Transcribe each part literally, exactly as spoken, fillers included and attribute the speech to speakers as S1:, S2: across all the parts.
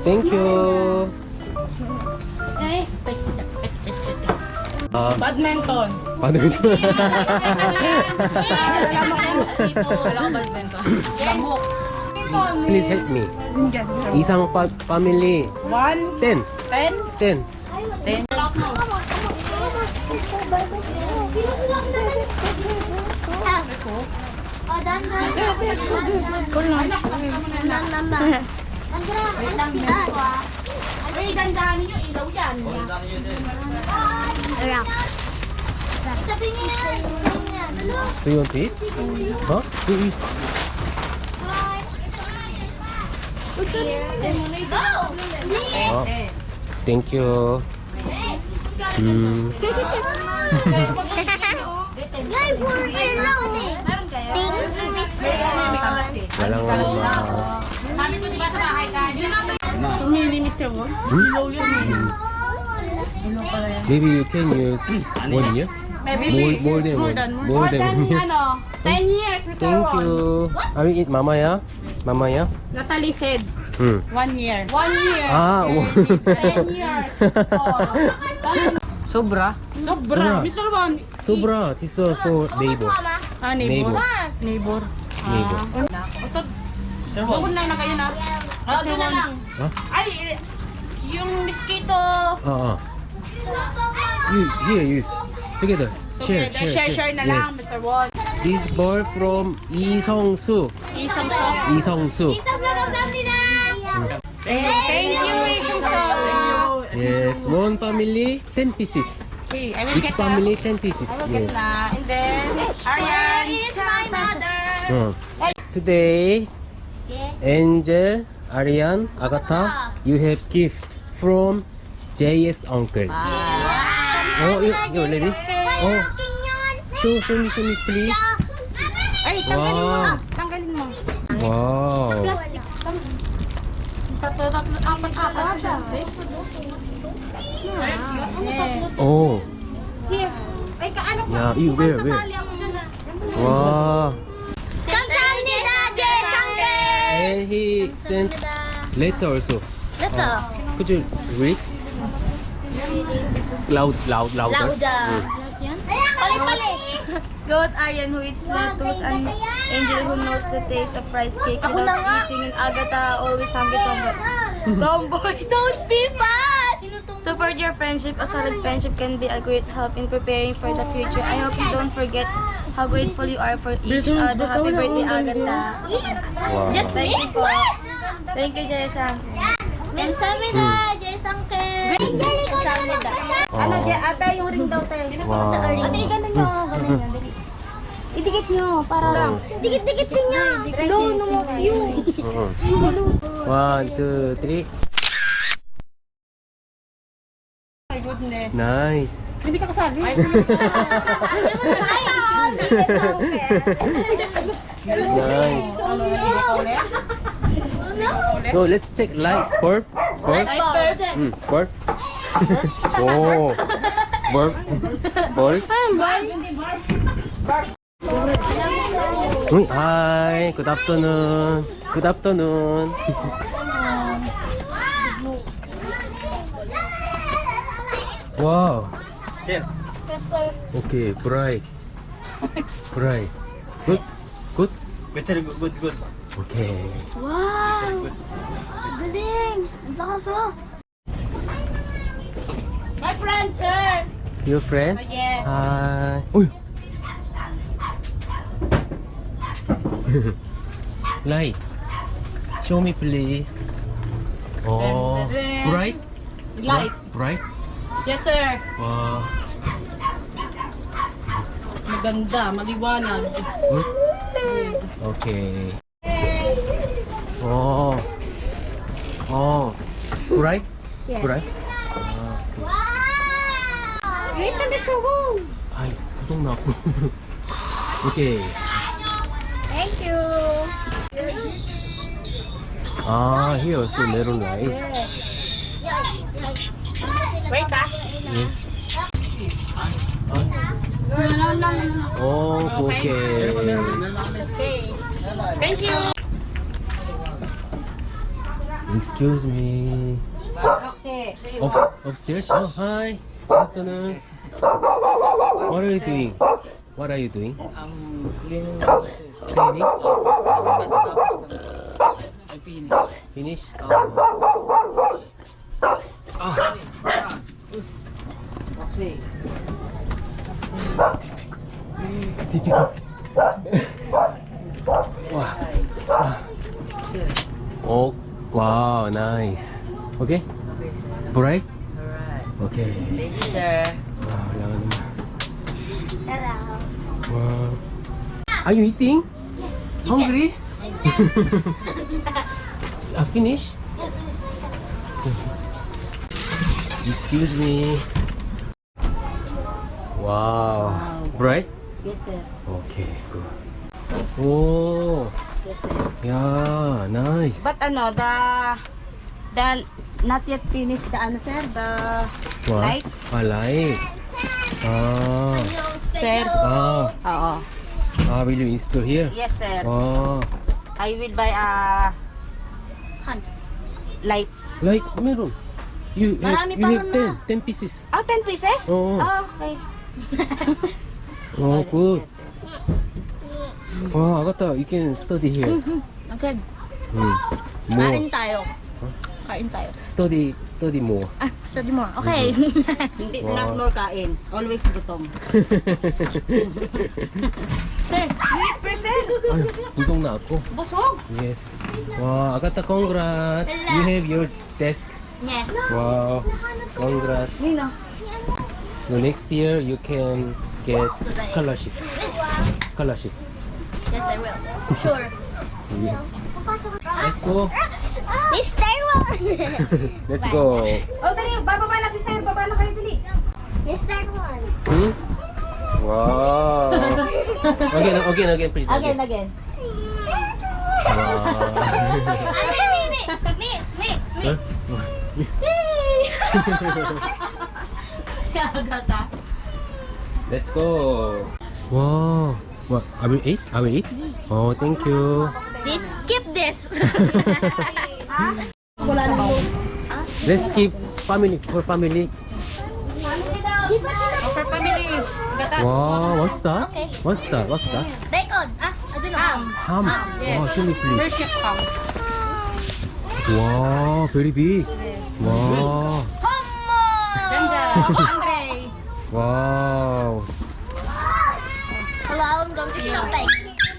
S1: Thank you. Um,
S2: Badminton.
S1: paano ito?
S2: Alam mo kayo mosquito. Alam ko badminton. Lamok.
S1: Please help me. Isang pa family.
S2: One,
S1: Ten.
S2: ten,
S1: Ten.
S2: ten.
S3: Oh, dandan. Wait lang,
S2: Ay, dandahan ninyo. Ilaw yan.
S3: Itabi niya yan.
S1: Do you want to eat? Huh? To eat.
S3: Go!
S1: Oh. Thank you. Hmm.
S3: Yay, for yellow. Meron kayo?
S1: Walang ano ma.
S2: Sabi ko diba sa bahay ka?
S4: Pumili mister mo?
S1: Hmm? Maybe you can use one year. More, more than one. More than one year.
S4: Ano? ten years, mister
S1: Thank
S4: Ron.
S1: you. Are we eat mamaya? Mamaya?
S4: Natalie said,
S1: Hmm.
S4: one year. One year.
S1: Ah,
S4: ten years. Oh.
S5: Sobra.
S4: Sobra. mister Ron.
S1: Sobra. This is for neighbor.
S4: Ah, neighbor.
S1: Neighbor.
S4: Neighbor.
S1: Neighbor.
S4: Otot. Doon na na kayo na.
S2: Oh, doon na lang.
S1: Huh?
S2: Ay, yung mosquito.
S1: Ah, ah. You, here, use. Together. Share,
S2: Together, share, share na
S1: Yes.
S2: lang, mister Won.
S1: This ball from Lee Sung-soo.
S4: Isang so.
S1: Lee Sung-soo.
S4: Thank you, Isang so.
S1: Yes, one family, ten pieces.
S4: Okay, I will
S1: Each
S4: get
S1: family, ten pieces.
S4: I will get
S1: Yes.
S4: na. And then, Arian.
S3: Is my mother.
S1: Uh, Today, Angel, Arian, Agatha, you have gift from J S uncle. Oh, you, you ready? Oh, show, show me, show me, please.
S4: Ay, tanggalin mo
S1: Wow.
S4: na. Tanggalin mo.
S1: Wow.
S4: Tatlo, tatlo, apat, apat. Yeah.
S1: Oh,
S4: Here. Ay, kaano ko?
S1: yeah, you where, where?
S4: Kasali ako dyan ah.
S1: Wow.
S3: 감사합니다, 제상대.
S1: And he sent letter also.
S3: Letter.
S1: Could you read? Loud, loud, louder.
S3: Pali-pali.
S6: Goat Aryan who eats lettuce and Angel who knows the taste of rice cake
S3: Ako na nga.
S6: without eating, and Agatha always hungry tomboy. Tomboy, don't be fat! Support your friendship. A solid friendship can be a great help in preparing for the future. I hope you don't forget how grateful you are for each other. Happy birthday, Agatha.
S1: Wow.
S6: Just thank you po. Thank you, Jessa.
S3: 감사합니다, 제상대. 감사합니다.
S4: Ano,
S1: Oh.
S4: di- ate, yung ring daw tayo.
S1: Wow.
S4: Ate, ganun nyo, ganun nyo. dali. Idikit nyo, para lang.
S3: Dikit-dikit niyo.
S4: No, no, you.
S1: Uh-huh. One, two, three.
S4: My goodness.
S1: Nice.
S4: Hindi ka kasali.
S1: Nice.
S4: Ano, hindi ka ulit?
S1: So let's check light. Burp. Burp. Mm, burp. Oh. Burp. Burp. Uy, hi. Good afternoon. Good afternoon. Wow.
S5: Sir.
S1: Okay, bright. Bright. Good. Good.
S5: Good, sir. Good, good, good.
S1: Okay.
S3: Wow. Galing. Ang lakas oh.
S4: My friend, sir.
S1: Your friend?
S4: Oh, yes.
S1: Hi. Uy. Light. Show me please. Oh. Bright?
S4: Light.
S1: Bright?
S4: Yes, sir.
S1: Wow.
S4: Maganda, maliwanag.
S1: Good. Okay. Oh. Oh. Bright?
S3: Yes.
S1: Bright?
S3: Wait na siya, wow.
S1: Ay, kusong na ako. Okay.
S3: Thank you.
S1: Ah, here also meron light.
S4: Wait, ah.
S1: Yes.
S3: No, no, no, no, no.
S1: Oh, okay.
S4: Okay. Thank you.
S1: Excuse me. Up, upstairs? Oh, hi. Good afternoon. What are you doing? What are you doing?
S5: I'm cleaning.
S1: Cleaning?
S5: I'm finished.
S1: Finish?
S5: Okay.
S1: Typical. Wow. Oh, wow, nice. Okay? Bright?
S5: Alright.
S1: Okay.
S5: Thank you, sir.
S1: Wow, wala ka naman.
S3: Hello.
S1: Wow. Are you eating? Hungry? uh, finish? Excuse me. Wow. Bright?
S4: Yes, sir.
S1: Okay, good. Oh,
S4: Yes, sir.
S1: yeah, nice.
S4: But ano, the the not yet finished the ano, sir, the
S1: What?
S4: light,
S1: Ah, light. Ah,
S4: sir.
S1: ah,
S4: Oo.
S1: ah, will you install here?
S4: Yes, sir.
S1: Ah,
S4: I will buy a lights.
S1: light, meron. You have,
S3: Marami
S1: you
S3: pa
S1: have
S3: ron
S1: ten, ten pieces.
S4: Oh, ten pieces?
S1: Oo.
S4: Oh, okay.
S1: Oh, good. Wow, Agatha, you can study here.
S3: Okay.
S1: Hmm.
S3: Kain
S1: More.
S3: tayo. Kain tayo.
S1: Study, study more.
S3: Ah, study mo. Okay.
S4: Hindi
S1: Wow.
S4: not more kain. Always gutom. Sir, you eat percent.
S1: Ay, busog na ako.
S4: Busog.
S1: Yes. Wow, Agatha, congrats. You have your desks.
S3: Yeah.
S1: Wow, congrats.
S4: Nino.
S1: So next year you can get scholarship. Scholarship.
S3: Yes, I will. Sure.
S1: Yeah. Let's go.
S3: Mister One.
S1: Let's go.
S4: Oh, dali. Bababa na si sir. Baba na kayo, dali.
S3: Mister One.
S1: Hmm? Wow. Again, again, again, please.
S4: Again, again.
S1: Wow.
S3: Me, me, me, me.
S4: Agata.
S1: Let's go. Wow. What? I will eat? I will eat? Oh, thank you.
S3: This, keep this.
S1: Let's keep family for family.
S4: For families. Agata.
S1: Wow, what's that?
S3: Okay.
S1: What's that? What's that?
S3: Bacon. Ah, I don't know.
S1: Ham. Wow, show me please.
S4: Worship come.
S1: Wow, very big. Wow.
S3: Hummo.
S4: Ganda.
S3: Hungry.
S1: Wow.
S3: Hello, I'm going to shopping.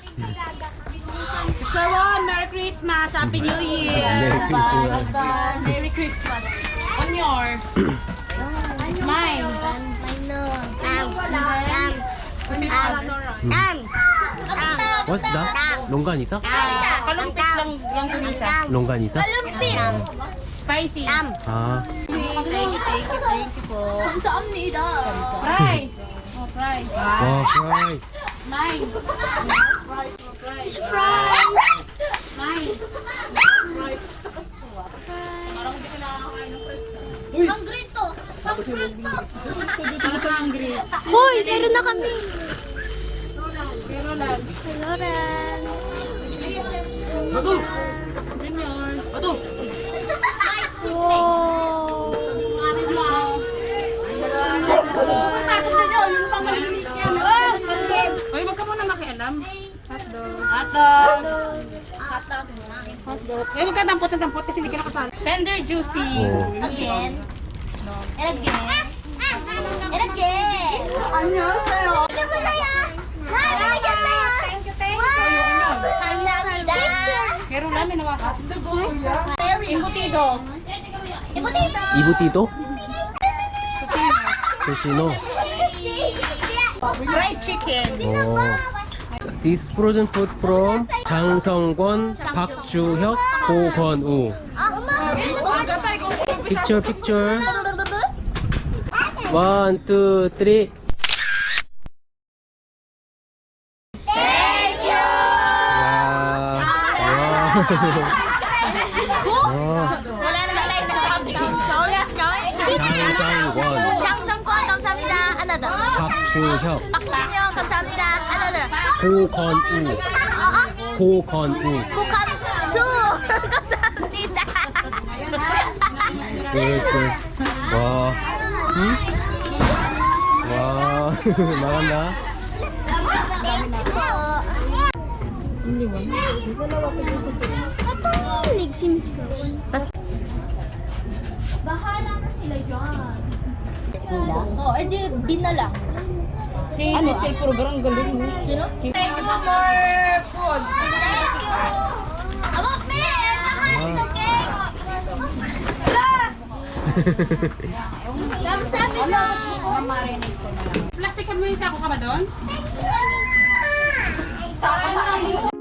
S4: Mister Ron, Merry Christmas. Happy New Year.
S1: Merry Christmas.
S3: Merry Christmas.
S4: On your. Mine.
S3: I know. Am. Am. Am. Am.
S1: What's that? 롱간이사?
S4: Kalumpit lang lang ko nisa.
S1: 롱간이사?
S3: Kalumpit.
S4: Spicy.
S3: Am.
S1: 아,
S4: Thank you, thank you, thank you po.
S3: Kung saan nila?
S4: Fries. Oh, fries.
S1: 와, 프라이스.
S4: Nine.
S3: It's fries.
S4: Nine.
S3: Hungry to. Hungry to.
S4: I'm hungry.
S3: Hoy, meron na kami.
S4: Pero lang.
S3: Lauren.
S4: Bato. Junior. Bato.
S3: Wow.
S4: Oy, wag ka muna makialam. Hotdog.
S3: Hotdog. Hotdog na.
S4: Hotdog. Eh, wag ka dampot na dampot kasi hindi ka nakasali. Tender juicy.
S1: 오.
S3: Again. And again. And again.
S4: 안녕하세요.
S3: Ano ba na yan? Nalagyan na yan. Thank you, thank you. Kamsahamnida.
S4: Meron namin nawakas.
S3: Very
S4: Embutido.
S3: Embutido.
S1: 이부티도? 토시노.
S4: Fried chicken.
S1: 오. This frozen food from 장성권, 박주혁, 고건우. Picture, picture. One, two, three.
S3: Thank you.
S1: 와. 와.
S3: Wala na lang na sabi.
S1: 장성권,
S3: 장성권 감사합니다. Another.
S1: 박주혁,
S3: 박준영 감사합니다. Another.
S1: 고건우.
S3: 어어.
S1: 고건우.
S3: 국한 two. 감사합니다.
S1: Good, good. Wow. Hmm? Wow. Maganda.
S3: Bahala na sila dyan. Oo, oh, edi bin na lang.
S4: Ano, stay program, galing mo.
S3: Sino?
S2: Thank you for food.
S3: Thank you. Aba, me! Mahal sa cake! Wala! Sabi na!
S2: Plastic mo yung sako ka ba doon? Sako sa